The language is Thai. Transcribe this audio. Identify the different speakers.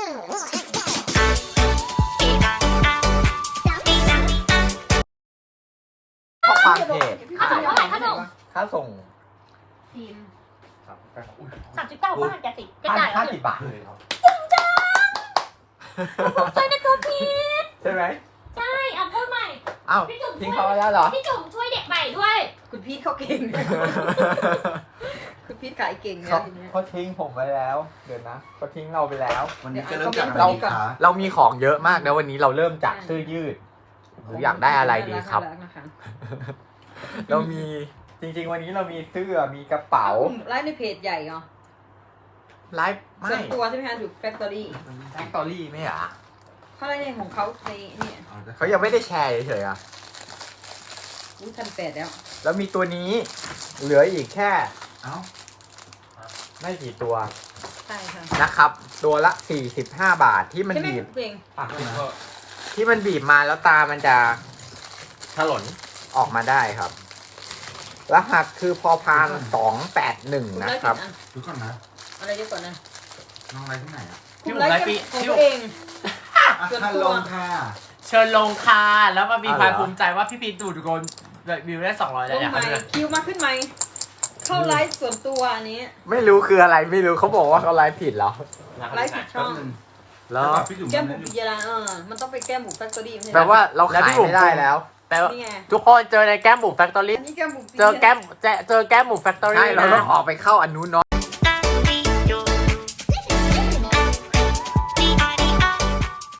Speaker 1: ข้อความเพจ
Speaker 2: ค่าส่งเท่าไหร่ค่าส่ง
Speaker 1: ค่าส่ง
Speaker 2: ทีม
Speaker 1: ครับ
Speaker 2: 39 บาทแกสิแกจ่ายแล้ว
Speaker 1: 50 บาทเลยครับ
Speaker 2: ใจในตัวพีท
Speaker 1: ใช่ไหม
Speaker 2: ใช่เอาพูดใหม่
Speaker 1: อ้าว
Speaker 2: พี่จุ๋ม
Speaker 1: ทิ้งเขาไว้แล้วเหรอ
Speaker 2: พี่จุ๋มช่วยเด็กใหม่ด้วย
Speaker 3: คุณพีทเขาเก่ง คุณพีทขายเก่งนะ
Speaker 1: เขา
Speaker 3: ทีเนี้ย
Speaker 1: เขาทิ้งผมไปแล้ว เดี๋ยวนะเขาทิ้งเราไปแล้ว
Speaker 4: วันนี้จะเริ่มจาก
Speaker 3: เรา
Speaker 4: อะไรดีคะ
Speaker 1: เรามีของเยอะมากนะวันนี้เราเริ่มจากเสื้อยืดหรืออยากได้อะไรดีครับ
Speaker 3: น่ารักนะคะ
Speaker 1: เรามีจริงๆวันนี้เรามีเสื้อมีกระเป๋า
Speaker 3: ไลฟ์ในเพจใหญ่เหรอ
Speaker 1: ไลฟ์ไม่
Speaker 3: ส่วนตัวใช่ไหมคะอยู่แฟคทอรี่
Speaker 1: แฟคตอรี่ไม่เหรอ
Speaker 3: เขาอะไรเนี่ยของเขาในเนี่ย
Speaker 1: เขายังไม่ได้แชร์เฉยๆอ่ะ
Speaker 3: อุ้ย1,800แล้ว
Speaker 1: แล้วมีตัวนี้เหลืออีกแค่
Speaker 4: เอ้า
Speaker 1: ไม่กี่ตัว
Speaker 3: ใช่ค่ะ
Speaker 1: นะครับ ตัวละ45 บาทที่มัน
Speaker 3: ใช่ไหม
Speaker 1: บีบ
Speaker 3: เพลง
Speaker 1: ที่มันบีบมาแล้วตามันจะถลนออกมาได้ครับ รหัสคือพอพาน281 นะครับ
Speaker 4: ดูก่อนนะ
Speaker 3: อะไรเยอะก่อนนะ
Speaker 4: น้องอะไรที่ไหนอ่ะ
Speaker 3: คุณไลฟ์ของตัวเอง ส่วนตัว
Speaker 4: คันลงค่ะ
Speaker 5: เชิญลงค่ะแล้วมามี
Speaker 1: อ๋อเหรอ
Speaker 5: ความภูมิใจว่าพี่พีทดูดโกนวิวได้200แล้ว
Speaker 3: ลง
Speaker 5: อยาก
Speaker 3: ใหม่
Speaker 5: ให้ดู
Speaker 3: คิวมาขึ้นไหมเข้าไลฟ์ส่วนตัวอันนี้
Speaker 1: ไม่รู้คืออะไรไม่รู้เขาบอกว่าเขาไลฟ์ผิดเหรอ
Speaker 3: ไลฟ์ผิดช่อง
Speaker 1: แล้ว
Speaker 4: พี่จุ๋ม
Speaker 3: แก้มบุกปิยาลามันต้องไปแก้มบุกแฟคทอรี่ไม่ใช่
Speaker 1: แปลว่าเราขายไม่ได้แล้ว
Speaker 5: แต่ว่า
Speaker 3: นี่ไง
Speaker 5: ทุกคนเจอในแก้มบุ๋มแฟคทอรี่
Speaker 3: อันนี้แก้มบุก
Speaker 5: เจอแก้มบุ๋มแฟคทอ
Speaker 1: ใช่
Speaker 5: รี่
Speaker 1: เรา
Speaker 5: นะ
Speaker 1: ต้องออกไปเข้าอันนู้นเนาะ